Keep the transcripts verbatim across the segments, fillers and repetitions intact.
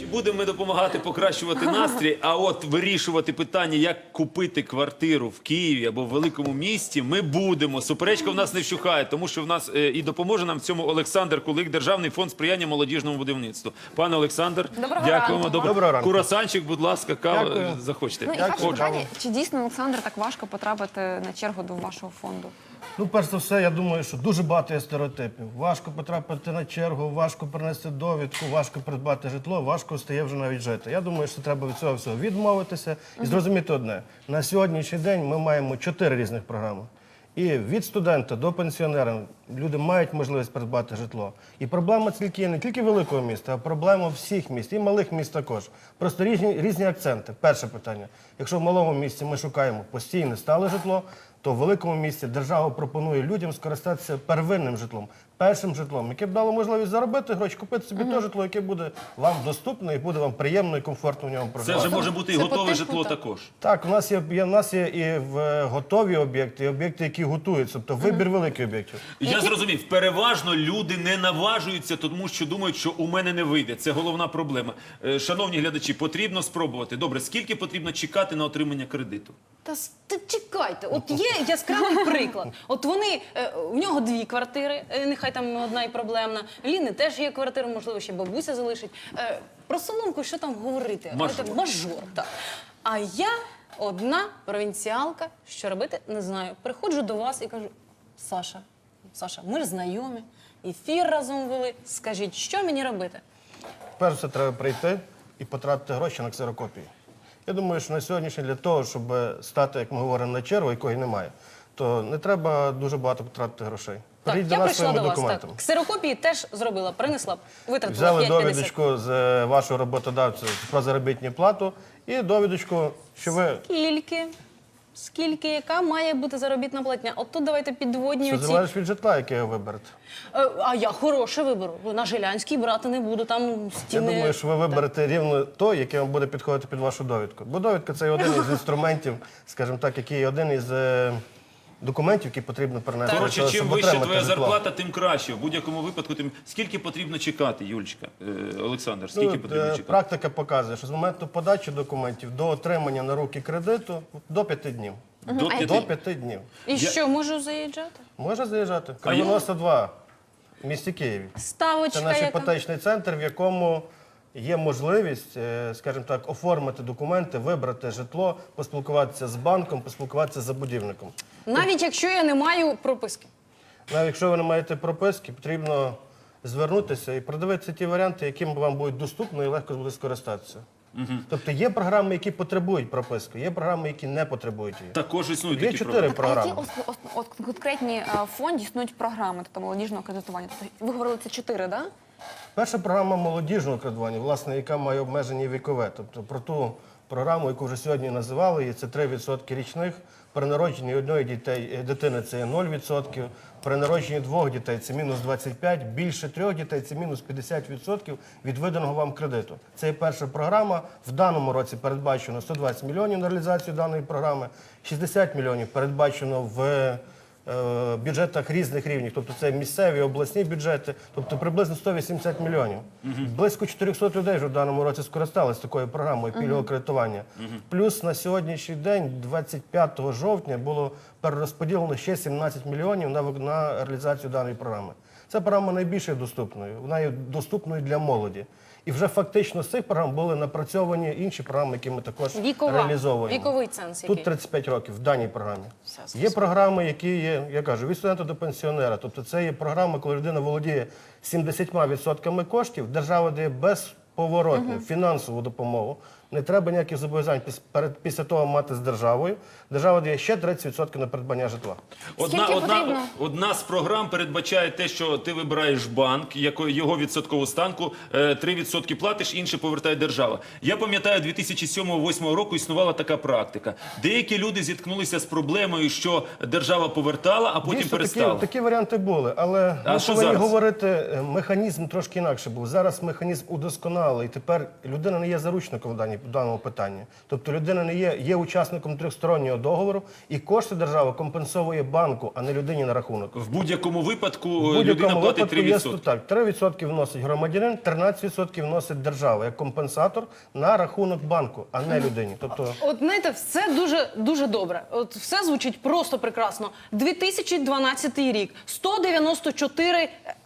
будемо ми допомагати покращувати настрій, а от вирішувати питання, як купити квартиру в Києві або в великому місті, ми будемо. Суперечка в нас не вщухає, тому що в нас е, і допоможе нам в цьому Олександр Кулик, Державний фонд сприяння молодіжному будівництву. Пане Олександр, Доброго дякуємо. ранку. Доброго ранку. Курасанчик, будь ласка, кава, Дякую. захочете. Ну і перше Отже. питання, чи дійсно, Олександр, так важко потрапити на чергу до вашого фонду? Ну, перш за все, я думаю, що дуже багато є стереотипів. Важко потрапити на чергу, важко принести довідку, важко придбати житло, важко стає вже навіть жити. Я думаю, що треба від цього всього відмовитися і зрозуміти одне. На сьогоднішній день ми маємо чотири різних програми. І від студента до пенсіонера люди мають можливість придбати житло. І проблема тільки не тільки великого міста, а проблема всіх міст, і малих міст також. Просто різні, різні акценти. Перше питання. Якщо в малому місті ми шукаємо постійне стале житло, то в великому місті держава пропонує людям скористатися первинним житлом, першим житлом, яке б дало можливість заробити гроші, купити собі те житло, яке буде вам доступне і буде вам приємно і комфортно в ньому Це проживати. вже може бути і Це готове по типу, житло так. також. Так, у нас є, є, у нас є і в готові об'єкти, і об'єкти, які готуються, тобто вибір великих об'єктів. Я зрозумів, переважно люди не наважуються, тому що думають, що у мене не вийде. Це головна проблема. Е, Шановні глядачі, потрібно спробувати. Добре, скільки потрібно чекати на отримання кредиту? Та, с- та чекайте, от є яскравий приклад. От вони, е, в нього дві квартири, е, нехай там одна і проблемна. В Ліни теж є квартира, можливо, ще бабуся залишить. Е, Про Соломку що там говорити? Мажор. Це мажор, так. А я одна провінціалка, що робити, не знаю. Приходжу до вас і кажу: Саша, Саша, ми ж знайомі, ефір разом вели, скажіть, що мені робити? Перш все треба прийти і потратити гроші на ксерокопії. Я думаю, що на сьогоднішній для того, щоб стати, як ми говоримо, на чергу, якої немає, то не треба дуже багато потратити грошей. Так, Прийдіть я до нас прийшла своїми до вас, так. документами. Ксерокопії теж зробила, принесла, витратила Взяли п'ять п'ятдесят. довідочку з е, вашого роботодавця про заробітну плату і довідочку, що ви Скільки? Скільки, яка має бути заробітна платня? От тут давайте підводні що оці. залежить від житла, яке ви виберете. Е, А я хороше виберу. На Жилянській брати не буду, там Я стіни. думаю, що ви виберете рівно то, яке вам буде підходити під вашу довідку. Бо довідка – це один із інструментів, скажімо так, який один із е, документів, які потрібно перенести. для Коротше, того, чим щоб вища отримати твоя житло. зарплата, тим краще. В будь-якому випадку, тим скільки потрібно чекати, Юлічка, Е, Олександр, скільки Ну, потрібно е, чекати? Практика показує, що з моменту подачі документів до отримання на руки кредиту до п'яти днів. До А п'яти. До п'яти днів. І що, можу заїжджати? Може заїжджати. А я- Кривоноса два в місті Києві. Це Ставочка наш яка? іпотечний центр, в якому є можливість, е, скажімо так, оформити документи, вибрати житло, поспілкуватися з банком, поспілкуватися з забудівником. Навіть якщо я не маю прописки. Навіть якщо ви не маєте прописки, потрібно звернутися і продивитися ті варіанти, яким вам будуть доступно і легко буде скористатися. Тобто є програми, які потребують прописки, є програми, які не потребують її. Також існують Є такі чотири програми. А які програми. ос- ос- от конкретні е, в фонді існують програми тобто молодіжного кредитування? Тобто, ви говорили, це чотири, так? Да? Перша програма молодіжного кредитування, власне, яка має обмеження вікове. Тобто про ту програму, яку вже сьогодні називали, і це три відсотки річних. При народженні одної дітей, е, дитини це є нуль відсотків, при народженні двох дітей це мінус двадцять п'ять, більше трьох дітей це мінус п'ятдесят відсотків від виданого вам кредиту. Це є перша програма. В даному році передбачено сто двадцять мільйонів на реалізацію даної програми, шістдесят мільйонів передбачено в е, бюджетах різних рівнів, тобто це місцеві, обласні бюджети, тобто приблизно сто вісімдесят мільйонів. Близько чотирьохсот людей вже в даному році скористалися такою програмою пільгового кредитування. Плюс на сьогоднішній день, двадцять п'ятого жовтня, було перерозподілено ще сімнадцять мільйонів на, вик- на реалізацію даної програми. Ця програма найбільше доступною, вона є доступною для молоді. І вже фактично з цих програм були напрацьовані інші програми, які ми також Вікова. реалізовуємо. Віковий ценз який? Тут тридцять п'ять років в даній програмі. Все, Є програми, які є, я кажу, від студента до пенсіонера. Тобто це є програма, коли людина володіє сімдесятьма відсотками коштів, держава дає безповоротну фінансову допомогу. Не треба ніяких зобов'язань піс- перед- після того мати з державою. Держава дає ще тридцять відсотків на придбання житла. Одна, Скільки одна, потрібно? одна з програм передбачає те, що ти вибираєш банк, яко- його відсоткову ставку, е, три відсотки платиш, інше повертає держава. Я пам'ятаю, дві тисячі сьомого-восьмого року існувала така практика. Деякі люди зіткнулися з проблемою, що держава повертала, а потім Дійсно, перестала. такі, такі варіанти були, але А ми що повинні зараз? говорити, е, механізм трошки інакше був. Зараз механізм удосконалий. узагальнили, і тепер людина не є заручником в даній- в даному питанні. Тобто людина не є, є учасником трьохстороннього договору, і кошти держава компенсовує банку, а не людині на рахунок. В будь-якому випадку В людина будь-якому платить випадку три є відсотки. так. три відсотки вносить громадянин, тринадцять відсотків вносить держава як компенсатор на рахунок банку, а не людині. Тобто От знаєте, все дуже дуже добре. От все звучить просто прекрасно. дві тисячі дванадцятий рік, сто дев'яносто чотири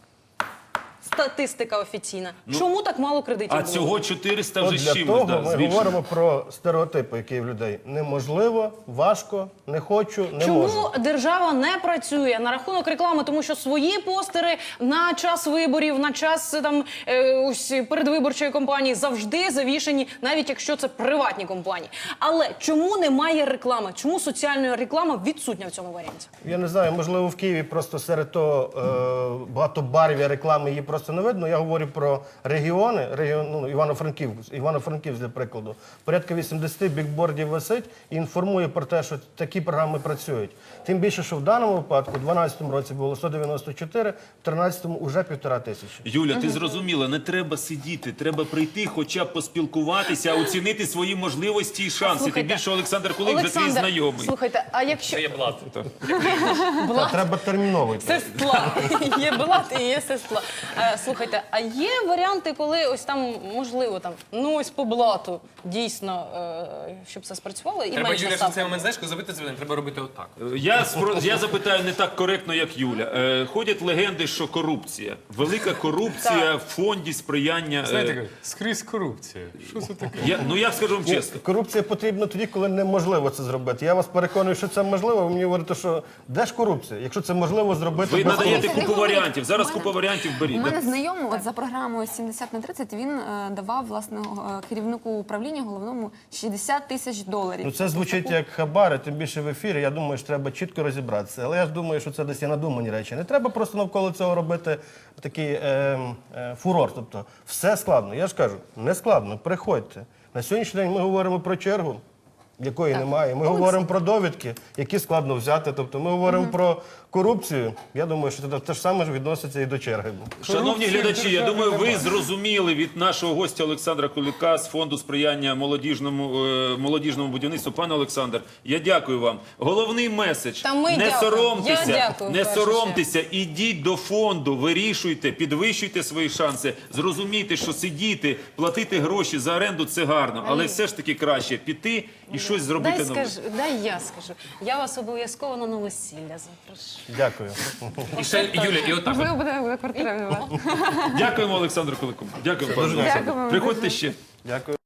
статистика офіційна. Чому так мало кредитів А було? цього чотириста От вже з для чимось, того да, ми збільшено. говоримо про стереотипи, які є в людей. Неможливо, важко, не хочу, не Чому можу. держава не працює на рахунок реклами? Тому що свої постери на час виборів, на час е, там е, ось передвиборчої кампанії завжди завішені, навіть якщо це приватні компанії. Але чому немає реклами? Чому соціальна реклама відсутня в цьому варіанті? Я не знаю, можливо, в Києві просто серед того е, багатобарв'я реклами її просто не видно. Я говорю про регіони, регіон, ну, Івано-Франківськ, Івано-Франківськ, для прикладу. Порядка вісімдесят бікбордів висить і інформує про те, що такі програми працюють. Тим більше, що в даному випадку, у дванадцятому році було сто дев'яносто чотири, в тринадцятому вже півтора тисячі. Юля, ти зрозуміла, не треба сидіти, треба прийти, хоча б поспілкуватися, оцінити свої можливості і шанси. Тим Слухайте, більше Олександр Кулик вже твій Олександр, знайомий. слухайте, а якщо Є блат. Та треба терміново йти. сестла, є блат і є сестла. Е, Слухайте, а є варіанти, коли ось там можливо там ну ось по блату дійсно, е, щоб це спрацювало і Треба, менше Юля, що ставка? цей момент, знаєш, коли забити дзвінок, треба робити отак. Я, спро- я запитаю не так коректно, як Юля. Е, ходять легенди, що корупція. Велика корупція в фонді сприяння. е, Знаєте, скрізь корупція. Що це таке? я, ну я скажу вам чесно. Корупція потрібна тоді, коли неможливо це зробити. Я вас переконую, що це можливо. Ви мені говорите, що де ж корупція? Якщо це можливо зробити Ви без надаєте корупції. купу варіантів. Зараз купа варіантів У беріть. мене знайомий от за програмою сімдесят на тридцять він е, давав власне е, керівнику управління головному шістдесят тисяч доларів. Ну це звучить як хабари, тим більше в ефірі. Я думаю, що треба чітко розібратися. Але я ж думаю, що це десь є надумані речі. Не треба просто навколо цього робити такий е, е, фурор. Тобто все складно. Я ж кажу, не складно. Приходьте. На сьогоднішній день ми говоримо про чергу, якої немає. Ми говоримо про довідки, які складно взяти. Тобто ми говоримо про корупцію. Я думаю, що це те ж саме ж відноситься і до черги. Шановні глядачі, я думаю, ви зрозуміли від нашого гостя Олександра Кулика з фонду сприяння молодіжному, е, молодіжному будівництву. Пане Олександр, я дякую вам. Головний меседж. Та ми не дякуємо. соромтеся, Я дякую, в не першу соромтеся, ідіть до фонду, вирішуйте, підвищуйте свої шанси, зрозумійте, що сидіти, платити гроші за оренду – це гарно, але все ж таки краще піти і щось зробити Дай нове. скажу, дай я скажу. Я вас обов'язково на новосілля запрошу. Дякую. І ще, Юля, і отак. от. Можливо, буде, буде квартира. Дякуємо Олександру Кулику. Дякуємо, пане Олександр. Дякуємо. Приходьте ще. Дякую.